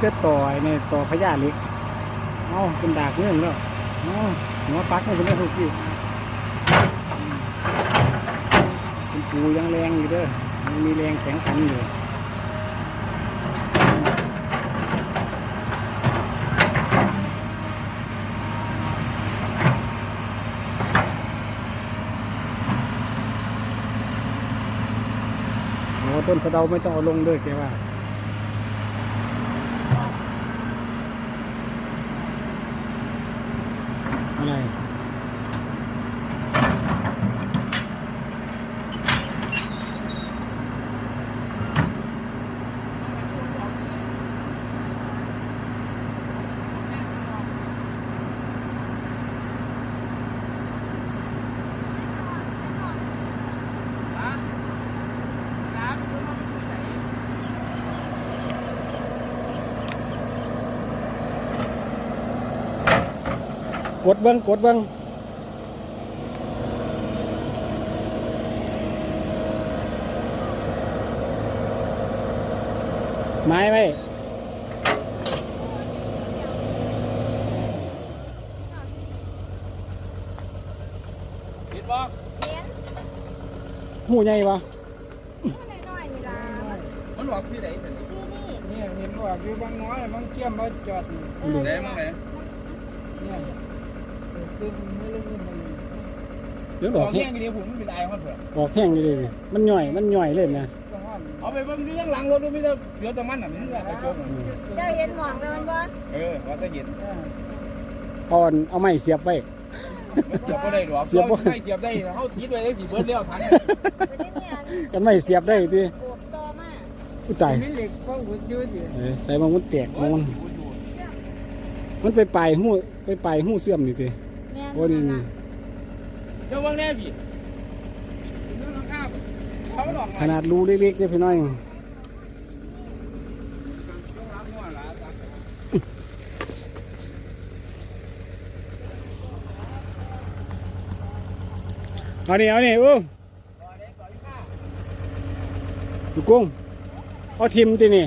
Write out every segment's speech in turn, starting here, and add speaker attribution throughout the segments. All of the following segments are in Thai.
Speaker 1: จะต่อเนี่ยต่อพญาเหล็กเอาเป็นดากเรื่องแล้วเอาหัวปักให้เป็นเรื่องทุกที่เป็นปูยังแรงอยู่เด้อยังมีแรงแข็งขันอยู่ต้นสะเดาไม่ต้องเอาลงด้วยแกว่าอะไรกดเบิ้งกดเบิ้งไม้ไหม
Speaker 2: เห็นบ่
Speaker 1: หูใหญ่ปะ
Speaker 2: มันบอกชื่อไหนเห็น
Speaker 3: นี่เห็นว่าอยู่บางน้อยบางเชี่ยมบางจอด
Speaker 2: ไหนมั้งไหน
Speaker 3: เนี่ยคือไม่รู้มัน
Speaker 1: เดี๋ยว
Speaker 2: บบ อ
Speaker 1: อก ก
Speaker 2: แห้
Speaker 1: แห้
Speaker 2: ง
Speaker 1: ง
Speaker 2: ดีผมเป็นไอคอนเถอะ
Speaker 1: บอกแห้งเลยมันหน่อยเล่นนะ
Speaker 2: เอาไปเบิ่งนี่ยังหลังรถดูไม่ได้เหลือแต่มันน่ะนี่แหละกระจก
Speaker 4: เจ้าเห็นหมองแล้วมันบ่
Speaker 2: ว่าจะเห็น
Speaker 1: เอาไม้เสียบไว้
Speaker 2: มันเสียบบ่ได้หรอกเสียบไม่เสียบได้เฮาติดไว้ได้สิเบิดแล้วทัน
Speaker 4: ไปที่เนี่ย
Speaker 1: กันไม้เสียบได้ดิ
Speaker 4: ปวดต่อมา
Speaker 1: อุ้ยตาย
Speaker 3: มีเหล็กก็หุ่นยืดอยู่
Speaker 1: ใส่มันแตกมันไปปลายหูเสื่อมนี่ดิโอ้นี่
Speaker 2: เจ้าเบิ่งแน่พี่เขาหลอก
Speaker 1: ขนาดรูเล็กๆเนี่ยพี่น้อยเอานี่ดูกุ้งเอาทิมตีนี่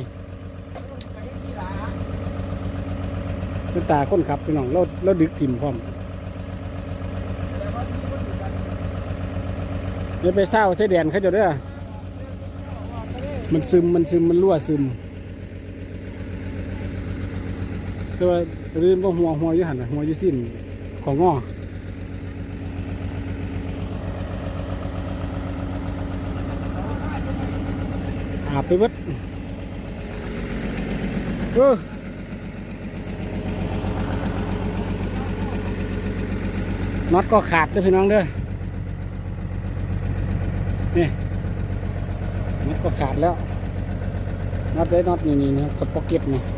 Speaker 1: เป็นตาคนขับพี่น้องเราดึกทิมพร้อมเดี๋ยวไปเศร้าใช้แดนเขาจะเด้อมันซึมมันรั่วซึมตัวรื่นว่าหัวอยู่หันหัวอยู่สิ้นของงออาบไปวัดน็อตก็ขาดเลยพี่น้องเด้อนี่น็อตก็ขาดแล้วน็อตได้น็อตนี่นะสป็อกเก็ตนี่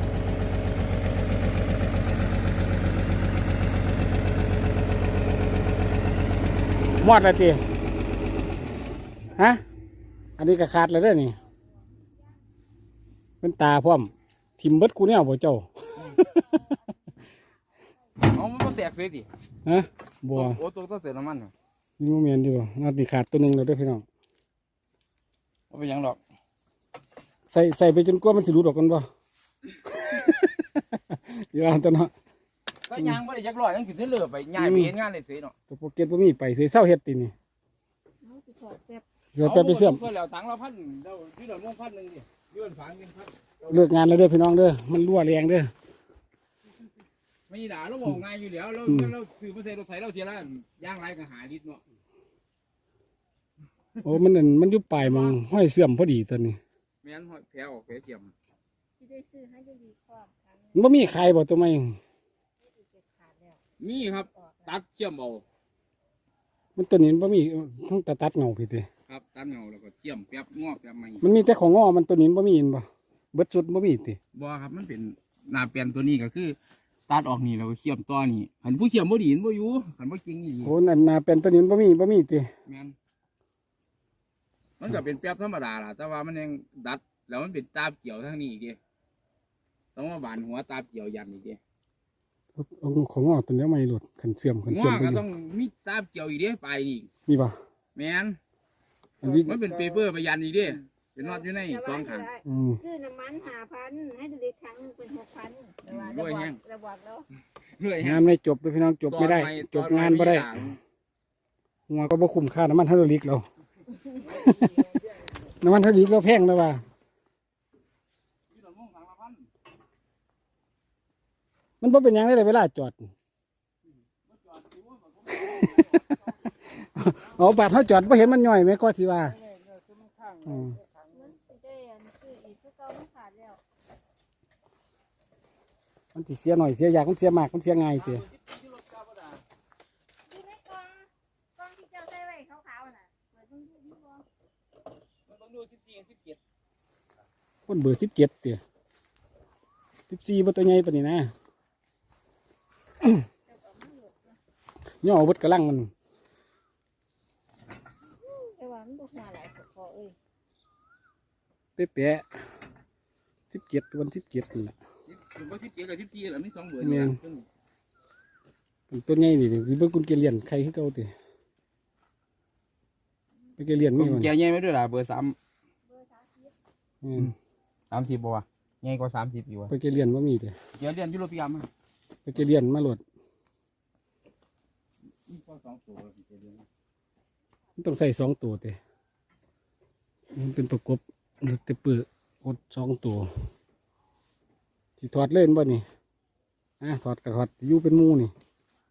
Speaker 1: มอดอะไรตีฮะอันนี้ก็ขาดแล้วเด้อนี่เป็นตาพร้อมทิมเบิดกูเนี่ยบ่เจ้า
Speaker 2: เอามันแตกเสียดิ
Speaker 1: ฮะบัว
Speaker 2: โอ้ตัวต้องเสียน้ำมัน
Speaker 1: นี่โมเมนต์ดีบ่น็อตนี่ขาดตัวหนึ่งเลยเด้อพี่น้อง
Speaker 2: เอาไปยังดอก
Speaker 1: ใส่ไปจนกว่ามันสิหลุดออกกันบ่ อย่าตัวเนาะ
Speaker 2: ก็ยางบ่ได้จักร้อยยังขึ้นเทเลอร์ไปย้ายไปเฮ็ดงานเลยเสียเนาะ
Speaker 1: ตัวโปเกตบ่มีไปเสียเศร้าเฮ็ดตินี่
Speaker 4: เอาไปถอดแป๊บ
Speaker 1: เดี๋ยวไปเสื่อม
Speaker 2: เพื่อแล้วถังละ1,000เราที่เราลง1,000นึงดิยื่นฝางเงิน1,000
Speaker 1: เลิกงานแล้วเด้อพี่น้องเด้อมันรั่วแรงเด้อ
Speaker 2: ไม่ด่าเราบอกง่ายอยู่แล้วเราซื้อมาใส่รถไถเราเสียแล้วย่างไรก็หาลิตรเนาะ
Speaker 1: โอ้มันอยู่ปลายมังห้อยเสื่อมพอดีตอนนี้
Speaker 2: แม่นหอยแผลออกแผลเทียม
Speaker 4: ที่ได้ซื้อให้จะดีกว่ากัน
Speaker 1: มันบ่มีใครบ่ตัวไม่
Speaker 4: ขาดแล้ว
Speaker 2: นี่ครับตัดเทียมเอา
Speaker 1: มันตัวนี้มันบ่มีทั้งตัดเงาพี่ติ
Speaker 2: ครับตัดเงาแล้วก็เทียมแป๊บงอกแป๊บใหม่
Speaker 1: มันมีแต่ของงอมันตัวนี้บ่มีเห็นบ่เบิดสุดบ่มีติ
Speaker 2: บ่ครับมันเป็นหน้าเปลี่ยนตัวนี้ก็คือตัดออกนี่แล้วก็เทียมต่อนี่หันผู้เทียมบ่ดีบ่อยู่หันบ่จริงนี่
Speaker 1: โอ้นั่นน่ะเป็นตัวนี้มันบ่มีติ
Speaker 2: แม่นมันก็เป็นแป๊บธรรมดาล่ะแต่ว่ามันยังดัดแล้วมันเป็นตาบเกี่ยวทั้งนี้อีกดิต้องมาบานหัวตาบเกี่ยวยันอีกดิ
Speaker 1: เอาของงอตัวนี้ไม่หลุดขันเสื่อม
Speaker 2: หั
Speaker 1: ไป
Speaker 2: ว
Speaker 1: อ
Speaker 2: ก็
Speaker 1: ยู่
Speaker 2: ต้องมีตาบเกี่ยวอีกดิไปนี่
Speaker 1: นี่บ่
Speaker 2: แม่น
Speaker 1: อันนี้
Speaker 2: มันเป็นเปเปอร์ไปยันอีกดิเปเป็นน็อตอยู่ในสองข้าง
Speaker 1: อืม
Speaker 4: ซื้อน้ำมัน5,000ให้ดูดิครั้งหนึงเป็น6,000แต่ว่า
Speaker 2: ด้วยแฮง
Speaker 4: ระบอกแล้ว
Speaker 2: เรื่อย
Speaker 1: งานไม่จบเลยพี่น้องจบไม่ได้ จบงานบ่ได้หัวก็บ่คุ้มค่าน้ำมันไฮดรอลิกเรา น้ำมันไฮดรอลิกเราแพงแล้วว่ามันบ่เป็นหยังได้เลยเวลาจอด เอาบาดเขาจอดบ่เห็นมันย่อยไหมก็ที่ว่าอืม
Speaker 4: มันสิได้อันซื้ออีกคือเก่ามันขาดแล้ว
Speaker 1: มันสิเสียหน่อยเสียยากมันเสียมากมันเสียง่ายเสีย
Speaker 4: อยู่ในกล่องที่เจ้าใส่ไว้ขาวๆน่ะเปิดดูดูบ่
Speaker 2: มันต้องดู14 17
Speaker 1: คนเบอร์17เตี้ย14บ่ตัวใหญ่ปานนี้นะ ย่อเบิดกระลังมัน
Speaker 4: แต่ว่ามันบ่หัวหลายพอเอ้ย
Speaker 1: เป๊ะๆ17วัน17นี่แหละ
Speaker 2: ผมว่า17กับ14แล้วมี2เบอร์
Speaker 1: แม่
Speaker 2: นี่
Speaker 1: น เป็นตัวใหญ่นี่สิเบิ่งคุณเกลียนใครคือเก่าติไปเกลียน
Speaker 2: ผ
Speaker 1: มี
Speaker 2: ม
Speaker 1: มัน
Speaker 2: แกใหญ่ไหมด้วยล่ะเบอร์3
Speaker 4: เบอร์30
Speaker 1: อืม
Speaker 2: 30บ่วะใหญ่กว่า30อยู่วะ
Speaker 1: ไปเกลียนบ่มีเด้
Speaker 2: เดี๋ยวเรียนยูโรปียม
Speaker 1: ไปเกลียนมาโหลด
Speaker 2: มีพอ2ตัวเรียน
Speaker 1: มันต้องใส่2ตัวเด้มันเป็นประกบเตะเปื้อกด2ตัวสิถอดเล่นบ่นี่ถอดก็ถอดอยู่เป็นหมู่นี่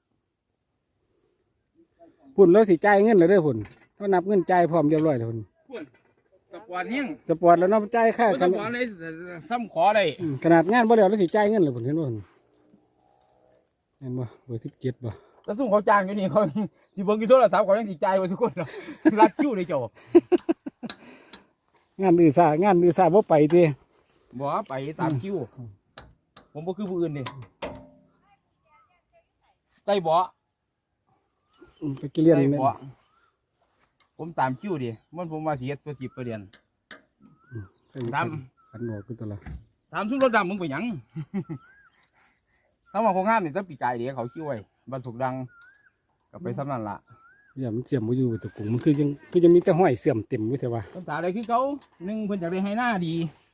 Speaker 1: พุ่นแล้วสิจ่ายเงินแล้วเด้อพุ่นเรานับเงินจ่ายพร้อมเรียบร้อยแล้วพุ่น
Speaker 2: พุ่นสปอร์ตแห้ง
Speaker 1: สปอร์ตแล้วเนาะจ่ายค่า
Speaker 2: สปอร์ตเลยซ้ำขอได้
Speaker 1: ขนาดงานบ่แล้วแล้วสิจ่ายเงินเลยพุ่นเห็นบ่พุ่นเห็นบ่เบอร์17บ่
Speaker 2: แล้วซุ่มเขาจ้างอยู่นี่เขาสิเบิ่งอยู่โทรศัพท์เขายังสิจ่ายไว้ทุกคนเนาะรัดคิวเลยเจ้าง
Speaker 1: านอื่นซ่าบ่ไปติ
Speaker 2: บ่ไปตามคิวผมบ่คือผู้อื่นนี่ได้บ่
Speaker 1: ไปเรียน
Speaker 2: ได้
Speaker 1: เนี่ย
Speaker 2: บ่ผมตามคิวดิมันผมว่าสิเฮ็ดตัว10เรียน ดำ
Speaker 1: กันบอกคือตัวละ
Speaker 2: ถามซุ่มรถดำมึงไปหยัง ถ้าว่าโครงงานนี่จะปีกายเดี๋ยวเขาคิวไว้บ้านถูกดังก็ไปซ้ำนั่นล่ะ
Speaker 1: อย่ามันเสียมบ่อยู่ตัวกุ้งมันคือยังมีแต่ห้อยเสื่อมเต็มอยู่แต่ว่า
Speaker 2: คำถามอะไรคือเขาหนึ่งเพิ่นอยากได้ให้หน้าดี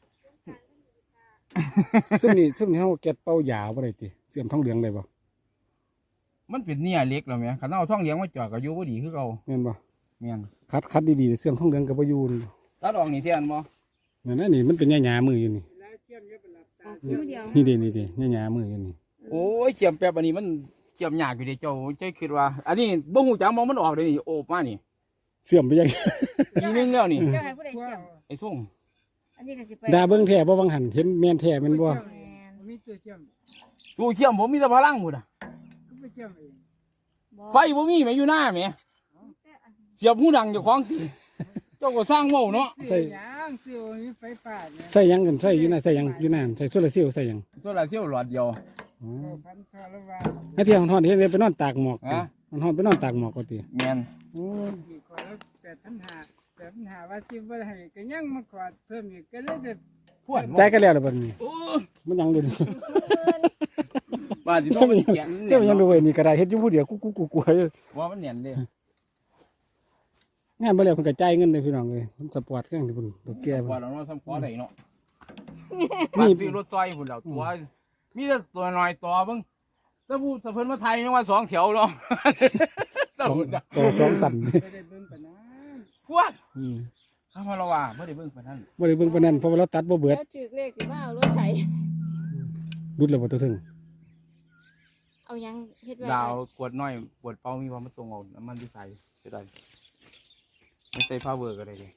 Speaker 1: ซึ่งนี่เฮาแกะเป่ายาวบ่ได้ติเสื่อมท้องเหลืองได้บ่
Speaker 2: มันเป็นเนี่ยเล็กแล้วแม่คันเอาท่องเลี้ยงมาจอดก็อยู่บ่ดีคือเขา
Speaker 1: แม่นบ่
Speaker 2: แม่น
Speaker 1: คัดดีๆเสื่อมท้องเหลืองก็บ่อยู่
Speaker 2: ตัดออกนี่เทียนบ่
Speaker 1: นั่นน่ะนี่มันเป็นหญ้าๆมืออยู่นี่
Speaker 4: ออกคู่เดียว
Speaker 1: นี่ดิหญ้าๆมืออยู่นี่
Speaker 2: โอ้ยเจียมแป๊บอันนี้มันเจียมยากอยู่เด้เจ้าใจคิดว่า อันนี้บ่ฮู้จักมองมันออกเลยนี่โอบมานี่
Speaker 1: เสื่อมไปยัง
Speaker 2: ทีนึงแล้วนี่
Speaker 4: เจ้าให้ผู้ใดเสี่ยม
Speaker 2: ไอ้ส่ง
Speaker 4: อันนี้ก็สิไป
Speaker 1: ดาเบิ่งแท้บ่วังหันเห็นแม่นแท้แม่นบ่
Speaker 4: แม่น
Speaker 3: มีตัวเชื่อม
Speaker 2: ตู้เขี้ยมผมมีแต่พลังหมดอ่ะ
Speaker 3: ก็ไปเชื่อมเอง
Speaker 4: บ่
Speaker 2: ไฟบ่มีแม่อยู่หน้าแม่
Speaker 4: แต่อัน
Speaker 2: เสียบหูดังเจ้าของติเจ้าก็สร้างเว้าเนาะ
Speaker 3: ซื้อหยังซื้อมีไฟฟ้าเนี่ย
Speaker 1: ใส่หยังกันใส่อยู่น่ะใส่หยังอยู่นั่นใส่โซลาร์เซลล์ใส่หยัง
Speaker 2: โซลาร์เซลล์หลอดเดียว
Speaker 1: อ๋อ
Speaker 3: พันทอละวา
Speaker 1: ให้เที่ยวฮ้อนๆเฮ็ดไปนอนตากหมอกติ
Speaker 2: ฮะ
Speaker 1: มันฮ้อนไปนอนตากหมอกก็ติ
Speaker 2: แม่น
Speaker 1: โอ้
Speaker 3: อีกคนละ8,500ว่าสิบ่ให้ก็ยังมาขอเพิ่มอีกก็เลยได้
Speaker 2: พวด
Speaker 1: ใจกันแล้วล่ะบัดนี้
Speaker 2: โอ้
Speaker 1: มันยังอยู่นี่
Speaker 2: บ้านสิโทรไปเขียน
Speaker 1: เจ้ายังดูไว้นี่ก็ได้เฮ็ดอยู่ผู้เดียวกูๆๆอยู่
Speaker 2: ว่ามันแน่นเด้
Speaker 1: งานบ่แล้วเพิ่นก็จ่ายเงินเลยพี่น้องเอ้ยมันสปอร์ตเครื่องที่เพิ่นดอกแก่
Speaker 2: ว่า
Speaker 1: เพิ่น
Speaker 2: เราเนาะซ้ำขอได้เนาะ
Speaker 1: นี่
Speaker 2: ซื้อรถซอยพุ่นแล้วตัวมีแต่ตัวน้อยตัวเบิ่งถ้าผู้สะเพิ่นมาไทยยังว่า2แถวเนาะ
Speaker 1: ต่อสองสั่น
Speaker 3: บ่ได้เบิ่งปานนั้น
Speaker 2: พวด
Speaker 1: อืม
Speaker 2: ข้ามาละว่าบ่ได้เบิ่งปานนั้น
Speaker 1: บ่ได้เบิ่งปานนั้นเพราะว่าเราตัดบ่เบิด
Speaker 4: แล้วจึกเลขสิมาเอารถไถ
Speaker 1: รุดแล้วบ่ตัวถึง
Speaker 4: เอายังเฮ็ดไว้
Speaker 2: ดาวขวดน้อยขวดเปล่ามีว่ามันตรงเอาน้ำมันที่ใส่จะได้ไม่ใส่พาวเวอร์ก็ได้เลย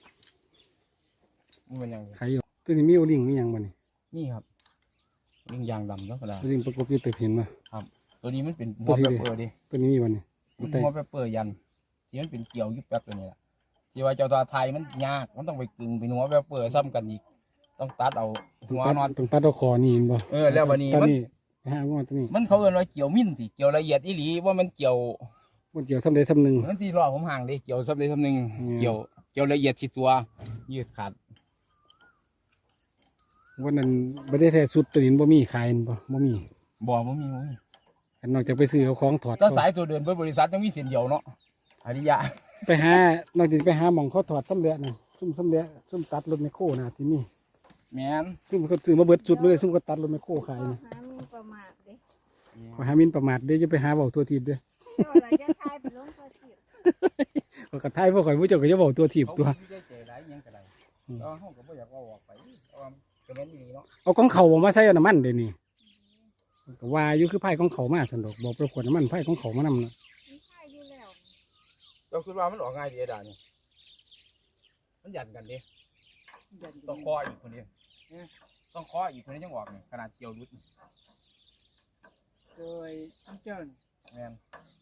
Speaker 2: มันเป็นยังไง
Speaker 1: ใครอยู่ตัวนี้มีโอลิงมีหยังบ่นี่
Speaker 2: นี่ครับลิงยางดำธรรมดา
Speaker 1: ตัวนี้ประกบอยู่ตึกเห็นบ่
Speaker 2: ตัวนี้มันเป็นหั
Speaker 1: ตัว
Speaker 2: ว
Speaker 1: ที่
Speaker 2: เป
Speaker 1: ดิ
Speaker 2: เปอร์ดิ
Speaker 1: ตัวนี้มีบ่นี่
Speaker 2: มัน
Speaker 1: แต่
Speaker 2: หัวเปเปอร์ยันที่มันเป็นเกี่ยวยุบแป๊บตัวนี้แหละที่ว่าเจ้าตัวไทยมันยากมันต้องไปกึ่งเป็นหัวเปเปอร์ซ้ำกันอีกต้องตัดเอาหัวนอน
Speaker 1: ต้องตัดเอาคอนี่เห็นบ่
Speaker 2: แล้วบัดนี้
Speaker 1: ตัว
Speaker 2: มัน
Speaker 1: นี้ไปหางอตัวนี้
Speaker 2: มันเขาเอิ้นว่าเกี่ยวมิ้นสิเกี่ยวละเอียดอีหลีว่ามันเกี่ยว
Speaker 1: บ่เกี่ยวซ้ำใดซ้ำหนึง
Speaker 2: มันที่รอผมห่างดิเกี่ยวซับเลยซับหนึ่ง
Speaker 1: อืม
Speaker 2: เกี่ยวละเอียดที่ตัวยืดขาด
Speaker 1: วันนั้นบ่ได้แท้สุดตัวนี้บ่มีขายเห็นบ่มี
Speaker 2: บ่มี
Speaker 1: อันนอกจากไปซื้อเอาของถอด
Speaker 2: ถ้าสายตัวเดินเปิดบริษัทต้องมีเส้นเดียวเนาะอริยะ
Speaker 1: ไปหานอกจากไปหาหม่องเขาถอดซ้ำเลือดน่ะซุ่มสำเร็จซุ่มตัดรถไมคโครนะที่นี่
Speaker 2: แมน
Speaker 1: ซุ่มเขาซื้อมาเบิดจุดมาเลยซุ่มก็ตัดรถไมคโครขายนี่
Speaker 4: หามีประมาทเด้
Speaker 1: ขอหามินประมาทเด้อจะไปหาเบาตัวทีบเด้อ
Speaker 4: เจ้าอะไรจะทายไปลงตัวที่
Speaker 1: ขอกระทายพวกข่อยผู้เจ้าก็จะเบาตัวทีบ
Speaker 2: เขา
Speaker 1: ตัว
Speaker 2: ไม่ได้ใจร้ายยังกระไรก็ห้องก็ไม่อยากว่าออกไปเพราะว่าก็แม่นดีเนาะ
Speaker 1: เอาของเขามาใส่น้ำมันเดี๋ยวนี้ก็ว่าอยู่คือไผ่ของเขามาสันดอกบอกไปขวดน้ำมันไผ่ของเขามานำนะ
Speaker 4: มีทายอยู่แล้ว
Speaker 2: เจ้าคิดว่ามันออกง่ายดีด่านี่มันหยันกันดิ
Speaker 3: ยัน
Speaker 2: ต้องคออีกคนเดียวต้องคออีกคนนี้ยังออกนี่ขนาดเกี่ยวรุดนี่
Speaker 3: โดยเจ้านี่
Speaker 2: แม่น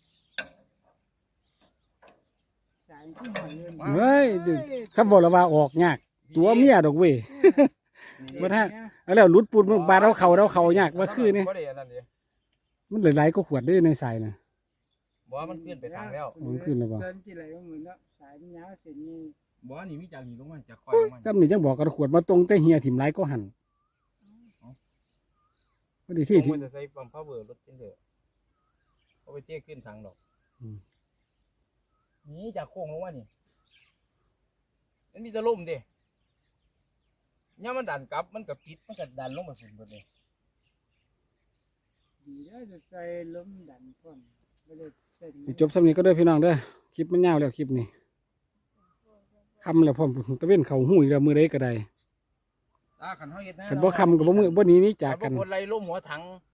Speaker 3: สายที่หอยเลย
Speaker 1: เฮ้ยคำบอกและว่าออกยากตัวเมียดอกเว้ย บ่ทัน เอาแล้วหลุดปูนบาดเอาเขายากว่าคือนี่
Speaker 2: บ่ได้อันนั้นดิ
Speaker 1: มันหลายๆก็ขวดได้ในสายนะ
Speaker 2: บ่ว่ามันขึ้นไปทางแล้ว
Speaker 1: มันขึ้นแล้วบ่
Speaker 3: เส้นที่ไหลว่าเหมือนเนาะสายมันยาวเส้นนี้
Speaker 2: บ่ว่านี่มีจากนี้ลงมาจากคอยลงมา
Speaker 1: ซ้ำนี่จังบอกกระขวดมาตรงแต่เฮียถิ่มหลายก็หันพอดีที่
Speaker 2: มันจะใส่ปั๊มพาวเวอร์รถจินเถอะเอาไปเที่ยขึ้นทางดอกนี่จากโค้งลงมานี่มันมีจะล่มดิเนี่ยมันดันกลับมันก็ปิดมันก็ดันลงมาสุดหมดเลย
Speaker 3: ดีแล้วจะใส่ล้มดันก่อนไม่ได้เส้น
Speaker 1: สิจบซ้ำนี้ก็เด้อพี่น้องเด้อคลิปมันยาวแล้วคลิปนี้คำแล้วพร้อมตะเว้นเขาหูอีกแล้วมือใดก็ได้
Speaker 2: ขันเฮาเฮ็ดนะ
Speaker 1: คันบ่คำกับบ่มือบ่หนี้นี้จาก
Speaker 2: กั
Speaker 1: กัน น
Speaker 2: คนไรล่มหัวถัง